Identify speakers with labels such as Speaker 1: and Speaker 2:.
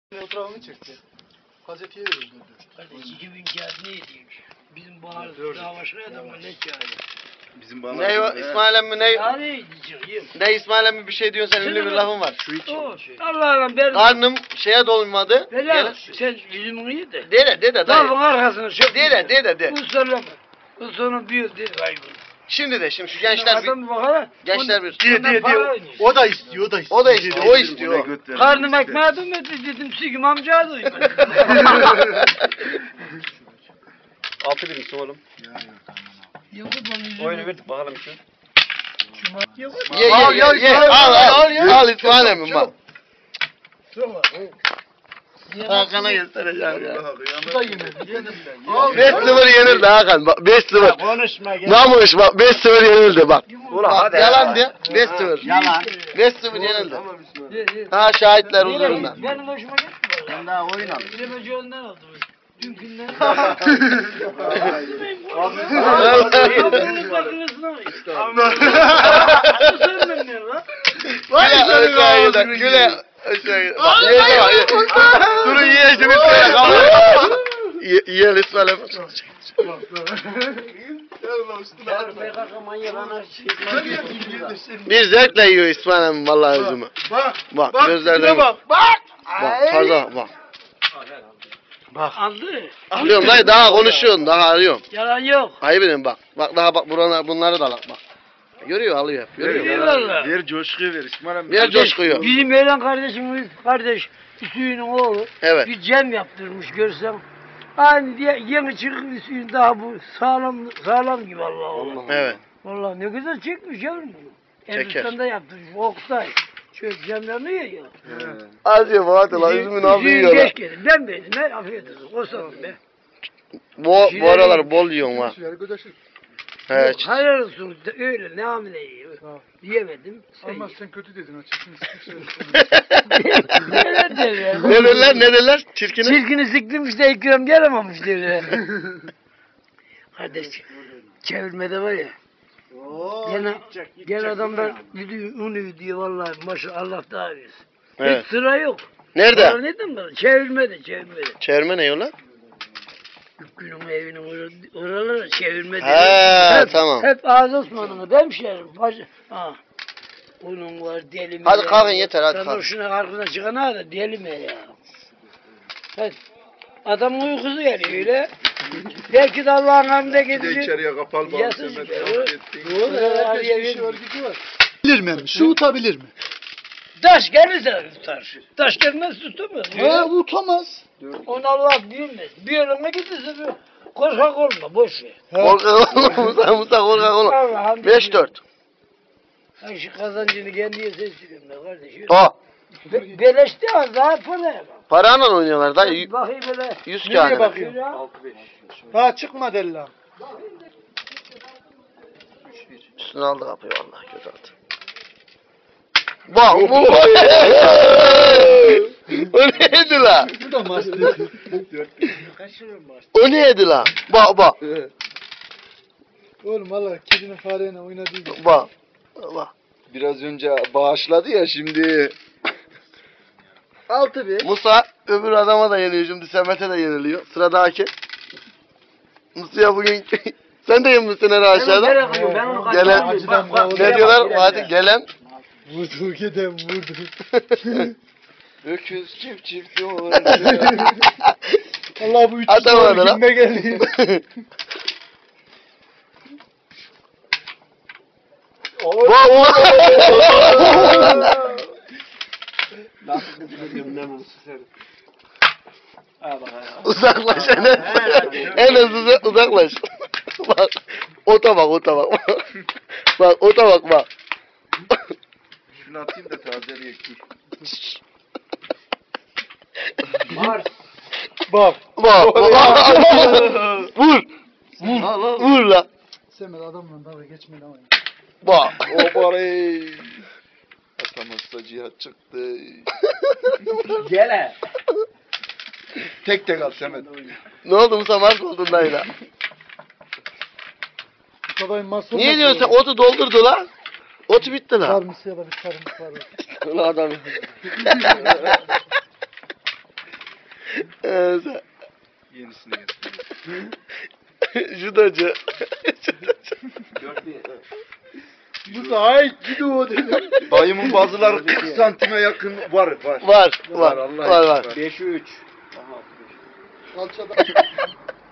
Speaker 1: Fotoğrafını çekti. Gazeteye de öldürdü.
Speaker 2: Kardeş 2000 kağıt ne edeymiş? Bizim bahar daha başka adamlar ne kağıdı?
Speaker 3: Bizim bağlar.
Speaker 4: Ne o İsmail emmi ne?
Speaker 2: Yani diyeceğim.
Speaker 4: Ne İsmail emmi bir şey diyorsun sen ünlü bir lafın var.
Speaker 3: Şu iki.
Speaker 2: Allah'ım ben...
Speaker 4: Karnım şeye dolmadı.
Speaker 2: Helal sen yüzümü iyi de.
Speaker 4: Dede dayı.
Speaker 2: Dalın arkasını çök.
Speaker 4: De.
Speaker 2: Bu sorulama. Bu sonu bir değil kaybı.
Speaker 4: Şimdi şu gençler bir...
Speaker 2: Adam bakalım.
Speaker 4: Gençler bir...
Speaker 1: Diye. O da istiyor,
Speaker 4: O da istiyor, o istiyor.
Speaker 2: Karnım ekmeğe dönmedi dedim sikim amcaya duymadım.
Speaker 4: 6 birimsin oğlum. Oyunu verdik bakalım şu. Ye. Al İsmail emmi bak. Hakan'a göstereceğim ya.
Speaker 1: Bu da yemedi. Yedim ben.
Speaker 4: 5-0 yenildi Hakan bak 5-0.
Speaker 3: Konuşma gel.
Speaker 4: Namuş bak 5-0 yenildi bak.
Speaker 3: Ulan hadi.
Speaker 4: Yalan de 5-0.
Speaker 3: Yalan.
Speaker 4: 5-0 yenildi. Ha şahitler huzurunda.
Speaker 2: Benim hoşuma gitmiyor.
Speaker 3: Sen daha oyun al.
Speaker 2: Bilemeci ondan aldım. Dünkünden.
Speaker 4: Güle aşağıya. Durun yiyeceğim yiyelim İsmail emmi. Bir zevkle yiyor İsmail emmi vallahi üzümü. Bak gözlerden bak. Bak tarzan bak.
Speaker 2: Aldı.
Speaker 4: Alıyorum dayı daha konuşuyorsun daha arıyorum.
Speaker 2: Yalan yok.
Speaker 4: Hayır benim bak. Bak daha bak bunları da al bak. Görüyor alıyor hep. Görüyor.
Speaker 2: Eyvallah.
Speaker 3: Ver coşkuyu ver İsmail abi.
Speaker 4: Ver coşkuyu.
Speaker 2: Bizim Öğlen kardeşimiz, kardeş Hüseyin'in oğlu
Speaker 4: Evet.
Speaker 2: bir cem yaptırmış görsem. Aynı diye yeni çıkıp Hüseyin daha bu sağlam gibi Allah Allah.
Speaker 4: Evet.
Speaker 2: Vallahi ne güzel çekmiş yavrum bunu.
Speaker 4: Çeker.
Speaker 2: Elbistan'da yaptırmış Oktay. Şöyle cemlerini yiyor.
Speaker 4: Az ye Fatih lan üzümün ağzı yiyor lan.
Speaker 2: Geç geldi. Ben beğendim. Ben afiyet olsun. O sandım be.
Speaker 4: Bu aralar bol yiyorsun ha.
Speaker 1: Yani gödeşir.
Speaker 4: He.
Speaker 2: Hayır olsun. Öyle ne hamile yiyor. Yiyemedim.
Speaker 1: Ama sen kötü dedin açıkçası.
Speaker 2: Ne derler?
Speaker 4: Ne derler? Çirkini.
Speaker 2: Çirkini siktirmiş de ikram gelememiş derler. Kardeş çevirmede var ya. Gene adamlar unu diyor vallahi maşallah Allah daha versin.
Speaker 4: Evet.
Speaker 2: Hiç sıra yok.
Speaker 4: Nerede?
Speaker 2: Neden böyle? Çevirmede.
Speaker 4: Çevirme ne yola?
Speaker 2: Günün evinin oraları çevirmede.
Speaker 4: He tamam.
Speaker 2: Hep Ağız Osman'ın hemşerim. Ha. Onun var deli mi?
Speaker 4: Hadi kalkın yeter hadi
Speaker 2: Sen
Speaker 4: kalkın.
Speaker 2: şuna arkasına çıkana da deli mi ya? Hadi. Adamın uykusu geliyor öyle. Belki de Allah'ın emrine gidecek.
Speaker 3: İçeriye kapalı
Speaker 2: Yasın
Speaker 3: bağlı.
Speaker 1: Herkes bir şey var gidiyor. Bilir mi? Su utabilir mi?
Speaker 2: Taş gelirse tutar. Taş gelmez tutamaz.
Speaker 1: Utamaz.
Speaker 2: Onu Allah bilmez. Bir yerine giderse bir korkak olma boş ver.
Speaker 4: Korkak olma Musa korkak olma.
Speaker 2: Allah'ım.
Speaker 4: 5-4.
Speaker 2: Ay şu kazancını kendiye seçiyorum ben kardeşim.
Speaker 4: O.
Speaker 2: Beleşti az daha para yapalım.
Speaker 4: Parayla oynuyorlar da
Speaker 2: Bakayım böyle.
Speaker 4: 100
Speaker 1: Nereye
Speaker 4: kağıdına.
Speaker 1: bakıyor? Ha çıkma della.
Speaker 4: Üstüne aldı kapıyı vallahi kötü attı. Bak bu. O neydi la?
Speaker 1: Bu da master.
Speaker 4: O neydi la? Bak.
Speaker 1: Oğlum valla kedinin fareyle oynadığı gibi.
Speaker 4: Bak.
Speaker 3: Biraz önce bağışladı ya şimdi.
Speaker 1: 6-1.
Speaker 4: Musa öbür adama da yeniliyor şimdi Semet'e de yeniliyor. Sıradaki. Musa'ya bugün sen de yenmişsin herhalde aşağıda.
Speaker 2: Ben onu
Speaker 4: Gelen ne diyorlar? Hadi gelen.
Speaker 1: Vurdu giden vurdu.
Speaker 3: Öküz çift olur.
Speaker 1: Allah bu üç
Speaker 4: Atamadı
Speaker 1: soru
Speaker 4: lan.
Speaker 1: günüme geldi.
Speaker 4: Uzaklaş en hızlısı uzaklaş. Bak ota bak. Bak ota bak.
Speaker 3: Şunu atayım da tazeleyek dur.
Speaker 1: Bak.
Speaker 4: Vur la.
Speaker 1: Semet adamla dalga geçmedi ama.
Speaker 4: Bak.
Speaker 3: O parayı. Atamazsa cihat çıktı.
Speaker 2: Gele.
Speaker 3: Tek al Semet.
Speaker 4: Ne oldu Musa mark oldun dayla.
Speaker 1: Bu kadar masum.
Speaker 4: Niye diyorsun sen otu doldurdu la? Otu bitti la.
Speaker 1: Sarımsı ya da bir sarımsı var.
Speaker 4: Ulan adam.
Speaker 3: Yenisini getir.
Speaker 4: Judacı.
Speaker 1: Bu da ay gidiyor dedi.
Speaker 3: Dayımın bazıları 40 santime yakın var.
Speaker 4: Var.
Speaker 3: Allah
Speaker 4: Var.
Speaker 3: aşkına.
Speaker 1: 5'e 3. Kalçada.